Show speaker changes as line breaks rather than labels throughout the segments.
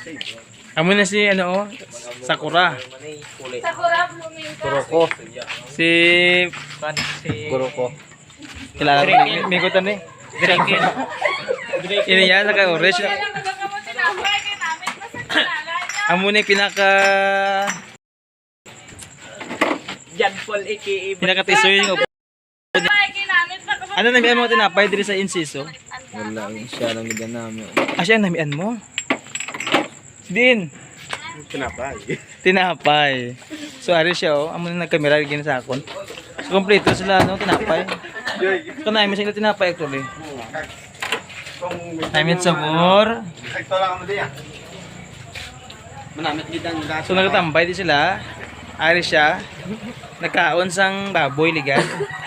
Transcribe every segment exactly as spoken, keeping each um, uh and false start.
Amo na si ano oh, Sakura.
Sakura blooming ka.
Kuroko.
Si
Kuroko.
kilala mo, may kutan eh. Drake. Ini yan, naka-orange.
Kaya lang magkakamo tinapay kay namin basta kilala niya.
Amo na yung pinaka...
Jan Paul aka
Pinaka-tisoy yung...
Tinapay kay namin basta
Ano namian mo tinapay diri sa Inciso?
Wala, siya lang ganyan namin.
Ah, siya ang namian mo? Din.
Tinapay.
Tinapay. So, ari siya oh. Amo na nagkamera gina sa akon. So, kompleto sila, no? Tinapay. Ito na, may sila tinapay actually. Namin sabor.
Sakto lang mo diyan. Manamit gid ang gato.
So, nagtambay di sila. Ari siya. Nagkaon sang baboy ligan.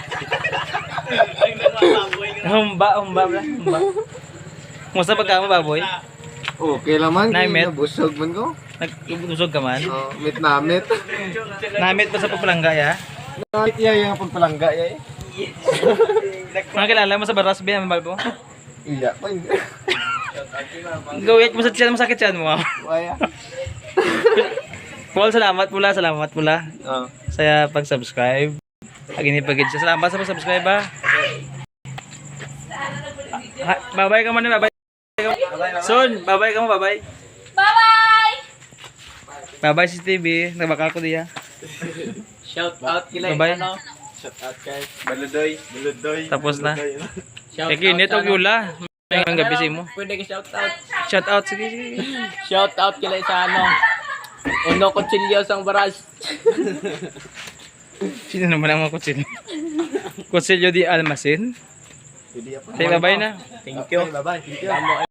Humba, humba bla. Humba. Musta pagka mo baboy?
Okay laman.
Namit.
Busog man ko.
Nagusog ka man.
Oh, mit namit.
Namit pa sa papalangga ya.
Namit iya yung pagpalangga ya.
Mga kilala mo sa baras ba ang balbo?
Iya pa.
Gawit mo sa tiyan, masakit tiyan mo.
Waya.
Paul, salamat pula, salamat pula.
Oh.
Saya pag-subscribe. Agini pagid siya. Salamat sa pag-subscribe ba. Ha, babay ka man, babay. Son, babay ka mo, babay.
Bye-bye!
Babay si T V. Nagbakal ko diya.
Shout out kila
Babay.
ano. Shout out kay Baludoy, Baludoy.
Tapos na.
Shout
Eki, nito og yula. Ngayong gabi si mo.
Pwede ka shout out.
Shout out, sige, sige.
Shout out kila sa ano. Uno Kutsilyo sang Baras.
Sino naman ang mga kutsilyo? Kutsilyo di Almacen.
Pwede pa.
Say babay na.
Thank you. Bye bye. Thank you.